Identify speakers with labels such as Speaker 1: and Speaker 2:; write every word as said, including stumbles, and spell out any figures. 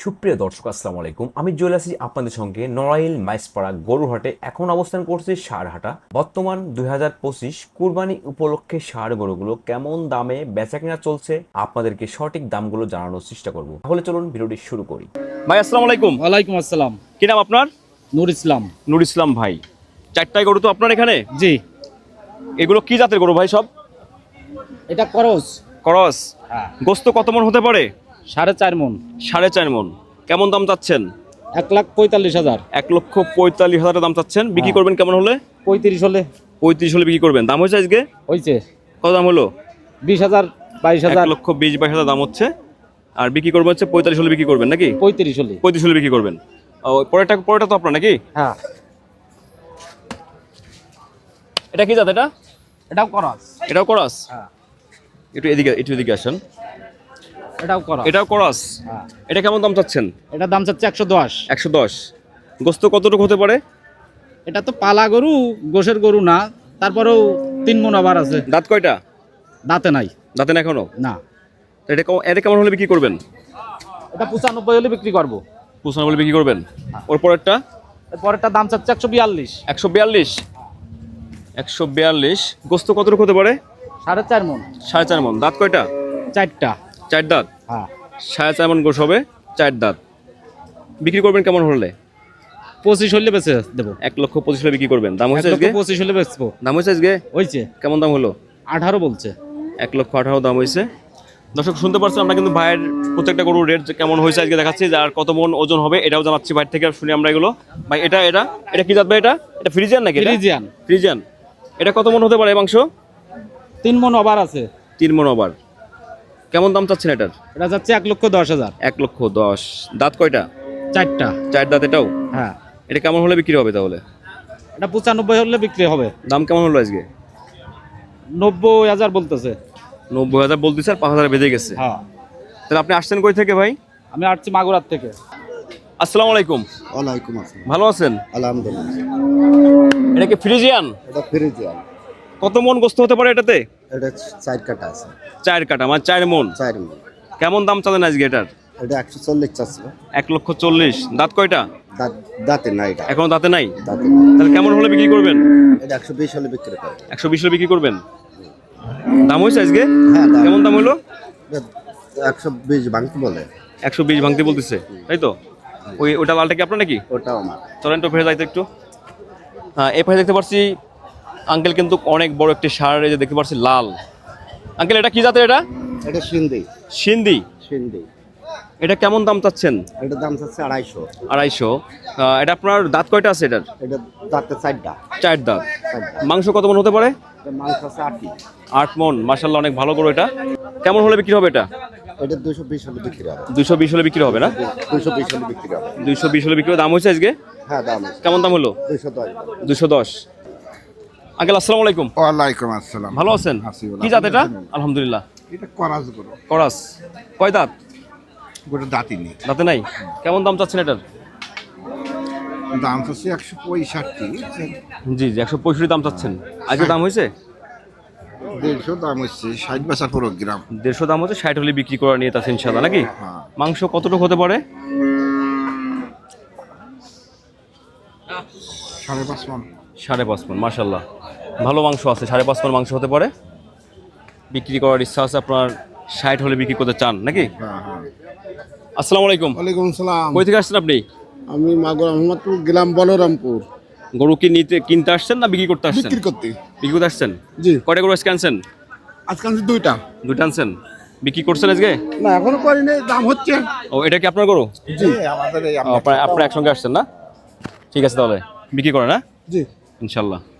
Speaker 1: সুপ্রিয় দর্শক আসসালামু আলাইকুম, আমি জুয়েল আসি আপনাদের সঙ্গে নড়াইল মাইসপাড়া গরুহাটে। এখন অবস্থান করছে ষাঁড়হাটা। বর্তমান দুই হাজার পঁচিশ কুরবানি উপলক্ষে ষাঁড় গরুগুলো কেমন দামে বেচা কিনা চলছে আপনাদেরকে সঠিক দামগুলো জানানোর চেষ্টা করব। তাহলে চলুন ভিডিওটি শুরু করি। ভাই আসসালামু আলাইকুম।
Speaker 2: ওয়ালাইকুম আসসালাম।
Speaker 1: কি নাম আপনার?
Speaker 2: নূর ইসলাম।
Speaker 1: নূর ইসলাম ভাই, চারটায় গরু তো আপনার এখানে?
Speaker 2: জি।
Speaker 1: এগুলো কি জাতের গরু ভাই? সব
Speaker 2: এটা করস।
Speaker 1: ক্রস।
Speaker 2: হ্যাঁ।
Speaker 1: গোস্ত কত মন হতে পারে?
Speaker 2: সাড়ে চার মন।
Speaker 1: সাড়ে চার মন। কেমন দাম চাচ্ছেন?
Speaker 2: এক লাখ পঁয়তাল্লিশ হাজার।
Speaker 1: এক লক্ষ পঁয়তাল্লিশ হাজার দাম চাচ্ছেন। বিক্রি
Speaker 2: হ্যাঁ।
Speaker 1: করবেন কেমন হলে?
Speaker 2: পঁয়ত্রিশ হলে।
Speaker 1: পঁয়ত্রিশ হলে বিক্রি করবেন। দাম হয়েছে আজকে?
Speaker 2: হয়েছে।
Speaker 1: কত দাম হলো?
Speaker 2: বিশ হাজার বাইশ
Speaker 1: এক
Speaker 2: হাজার।
Speaker 1: লক্ষ বিশ বাইশ হাজার দাম হচ্ছে। আর বিক্রি করবেন হচ্ছে পঁয়তাল্লিশ হলে বিক্রি করবেন নাকি?
Speaker 2: পঁয়ত্রিশ হলে।
Speaker 1: পঁয়ত্রিশ হলে বিক্রি করবেন। ও, পরেরটা পরেরটা তো আপনার নাকি?
Speaker 2: হ্যাঁ।
Speaker 1: এটা কি জাত? এটা
Speaker 2: এটাও করস।
Speaker 1: এটাও ক্রস।
Speaker 2: হ্যাঁ।
Speaker 1: একটু এদিকে একটু এদিকে আসেন।
Speaker 2: এটাও করস।
Speaker 1: এটাও ক্রস।
Speaker 2: হ্যাঁ।
Speaker 1: এটা কেমন দাম চাচ্ছেন?
Speaker 2: এটার দাম চাচ্ছে একশো দশ।
Speaker 1: একশো দশ। গোস্ত কতটুকু হতে পারে?
Speaker 2: এটা তো পালা গরু, গোশের গরু না, তারপরেও তিন মন আবার আছে।
Speaker 1: দাঁত কয়টা?
Speaker 2: দাঁতে নাই।
Speaker 1: দাঁতে না এখনো?
Speaker 2: না।
Speaker 1: তো এটা কেমন- এটা কেমন হলে বিক্রি করবেন?
Speaker 2: এটা পঁচানব্বই হলে বিক্রি করবো।
Speaker 1: পঁচানব্বই হলে বিক্রি করবেন। ওর পরেরটা?
Speaker 2: পরেরটা দাম চাচ্ছে একশো বিয়াল্লিশ।
Speaker 1: একশো বিয়াল্লিশ। একশো বিয়াল্লিশ। গোস্ত কতটুকু হতে পারে?
Speaker 2: সাড়ে চার মন।
Speaker 1: সাড়ে চার মন। দাঁত কয়টা?
Speaker 2: চারটা।
Speaker 1: চার দাঁত।
Speaker 2: হ্যাঁ।
Speaker 1: সাড়ে চার মন গোস হবে, চার দাঁত। বিক্রি করবেন কেমন হলে?
Speaker 2: পঁচিশ হলে বেঁচে দেবো।
Speaker 1: এক লক্ষ পঁচিশ হলে বিক্রি করবেন। দাম
Speaker 2: এক
Speaker 1: হয়েছে
Speaker 2: লক্ষ
Speaker 1: আজকে?
Speaker 2: পঁচিশ হলে বেচবো।
Speaker 1: দাম হয়েছে আজকে?
Speaker 2: হয়েছে।
Speaker 1: কেমন দাম হলো?
Speaker 2: আঠারো বলছে।
Speaker 1: এক লক্ষ আঠারো দাম হয়েছে। দর্শক শুনতে পারছেন, আমরা কিন্তু ভাইয়ের প্রত্যেকটা গরুর রেট কেমন হয়েছে আজকে দেখাচ্ছি, আর কত মন ওজন হবে এটাও জানাচ্ছি ভাইয়ের থেকে। শুনি আমরা এগুলো। ভাই এটা এটা এটা কি জাত ভাই? এটা এটা ফ্রিজিয়ান নাকি? এটা?
Speaker 2: ফ্রিজিয়ান।
Speaker 1: ফ্রিজিয়ান। এটা কত মন হতে পারে এই মাংস?
Speaker 2: তিন মন ওভার আছে।
Speaker 1: তিন মন ওভার। কেমন দাম চাচ্ছেন এটার?
Speaker 2: এটা যাচ্ছে এক লক্ষ দশ হাজার।
Speaker 1: এক লক্ষ দশ। দাঁত কয়টা?
Speaker 2: চারটা।
Speaker 1: চার দাঁত। এটাও?
Speaker 2: হ্যাঁ।
Speaker 1: এটা কেমন হলে বিক্রি হবে তাহলে?
Speaker 2: এটা পঁচানব্বই হলে বিক্রি হবে।
Speaker 1: দাম কেমন হলো আজকে?
Speaker 2: নব্বই হাজার বলতেছে।
Speaker 1: নব্বই হাজার বলতেছে, আর পাঁচ হাজার বেঁধে গেছে।
Speaker 2: হ্যাঁ।
Speaker 1: তাহলে আপনি আসছেন কই থেকে ভাই?
Speaker 2: আমি আসছি মাগুরার থেকে।
Speaker 1: আসসালামু আলাইকুম।
Speaker 3: ওয়ালাইকুম আসসালাম।
Speaker 1: ভালো আছেন?
Speaker 3: আলহামদুলিল্লাহ।
Speaker 1: এটা কি ফ্রিজিয়ান?
Speaker 3: এটা ফ্রিজিয়ান।
Speaker 1: কত মন গোস্ত হতে পারে এটাতে?
Speaker 3: এটা চার কাটা আছে।
Speaker 1: চার কাটা মানে চার মন।
Speaker 3: চার মণ।
Speaker 1: কেমন দাম চালেন আজকে এটার?
Speaker 3: এটা একশো চল্লিশ চাচ্ছে।
Speaker 1: এক লক্ষ চল্লিশ। দাঁত কয়টা?
Speaker 3: দাঁত দাঁতে নাই এটা।
Speaker 1: এখনো দাঁতে নাই?
Speaker 3: দাঁতে
Speaker 1: তাহলে কেমন হলে বিক্রি করবেন?
Speaker 3: এটা একশো বিশ হলে বিক্রি করে।
Speaker 1: একশো বিশ হলে বিক্রি করবেন। দাম হয়েছে আজকে?
Speaker 3: হ্যাঁ, দাম।
Speaker 1: কেমন দাম হলো?
Speaker 3: একশো বিশ ভাঙতে বলে।
Speaker 1: একশো বিশ ভাঙতে বলতেছে, তাই তো? ওই ওটা লালটা কি আপনার নাকি?
Speaker 3: ওটাও আমার।
Speaker 1: চলেন তো ফেরে যাইতে একটু। হ্যাঁ, এই পাশে দেখতে পাচ্ছি আঙ্কেল কিন্তু অনেক বড় একটি ষাঁড়, এই যে দেখতে পাচ্ছি লাল। আঙ্কেল এটা কি জাতের? এটা
Speaker 3: এটা সিন্ধি।
Speaker 1: সিন্ধি।
Speaker 3: সিন্ধি।
Speaker 1: এটা কেমন দাম চাচ্ছেন?
Speaker 3: এটা দাম চাচ্ছে আড়াইশো।
Speaker 1: আড়াইশো। আহ, এটা আপনার দাঁত কয়টা আছে এটার?
Speaker 3: এটা দাঁতে চারটা।
Speaker 1: চার দাঁত।
Speaker 3: চারটা।
Speaker 1: মাংস কত মন হতে পারে?
Speaker 3: এটা মাংস আছে আটটি।
Speaker 1: আট মন। মাশাআল্লাহ, অনেক ভালো গরু এটা। কেমন হলে বিক্রি হবে এটা?
Speaker 3: এটা দুশো বিশ হলে বিক্রি হবে।
Speaker 1: দুইশো বিশ হলে বিক্রি হবে না?
Speaker 3: দুশো বিশ হলে বিক্রি হবে।
Speaker 1: দুইশো বিশ হলে বিক্রি হবে। দাম হয়েছে আজকে?
Speaker 3: হ্যাঁ, দাম আছে।
Speaker 1: কেমন দাম হলো?
Speaker 3: দুশো দশ।
Speaker 1: দুশো দশ। আঙ্কেল আসসালামু আলাইকুম।
Speaker 4: ওয়ালাইকুম আসসালাম।
Speaker 1: ভালো আছেন?
Speaker 4: আছি,
Speaker 1: কি জাত এটা? আলহামদুলিল্লাহ।
Speaker 4: এটা করাজ গরু।
Speaker 1: করাস। কয় দাঁত?
Speaker 4: গোটা দাঁতি নেই।
Speaker 1: দাঁতে নাই? কেমন দাম চাচ্ছেন এটার?
Speaker 4: দাম হচ্ছে একশো পঁয়ষট্টি।
Speaker 1: জি জি, একশো পঁয়ষট্টি দাম চাচ্ছেন। আজকে দাম হয়েছে?
Speaker 4: দেড়শো দাম হচ্ছে ষাট বেচা পুরো গ্রাম।
Speaker 1: দেড়শো দাম হচ্ছে, ষাট হলে বিক্রি করা নিয়ে তাছে ইনশাল্লাহ নাকি?
Speaker 4: হ্যাঁ।
Speaker 1: মাংস কতটুকু হতে পারে?
Speaker 4: সাড়ে পাঁচ মন।
Speaker 1: সাড়ে পাঁচ মন। মাশাল্লাহ, ভালো মাংস আছে। সাড়ে পাঁচ মন মাংস হতে পারে। বিক্রি করার ইচ্ছা আছে আপনার, ষাট হলে বিক্রি করতে চান নাকি?
Speaker 4: হ্যাঁ হ্যাঁ।
Speaker 1: আসসালামু আলাইকুম।
Speaker 4: ওয়ালাইকুম সালাম।
Speaker 1: কই থেকে আসছেন আপনি?
Speaker 4: আমি মাগুরা মোহাম্মদপুর গেলাম বলরামপুর।
Speaker 1: গরু কি নিতে কিনতে আসছেন না বিক্রি করতে আসছেন?
Speaker 4: বিক্রি করতে।
Speaker 1: বিক্রি করতে আসছেন?
Speaker 4: জি।
Speaker 1: কয়টা গরু আজকে আনছেন?
Speaker 4: আজকে আনছি দুইটা।
Speaker 1: দুইটা আনছেন। বিক্রি করছেন আজকে?
Speaker 4: না, এখনো করিনি, দাম হচ্ছে।
Speaker 1: ও, এটা কি আপনার গরু?
Speaker 4: জি, আমাদের এই
Speaker 1: ও, আপনারা আপনারা একসঙ্গে আসছেন না? ঠিক আছে, তাহলে বিক্রি করেন না
Speaker 4: জি।
Speaker 1: ইনশাল্লাহ।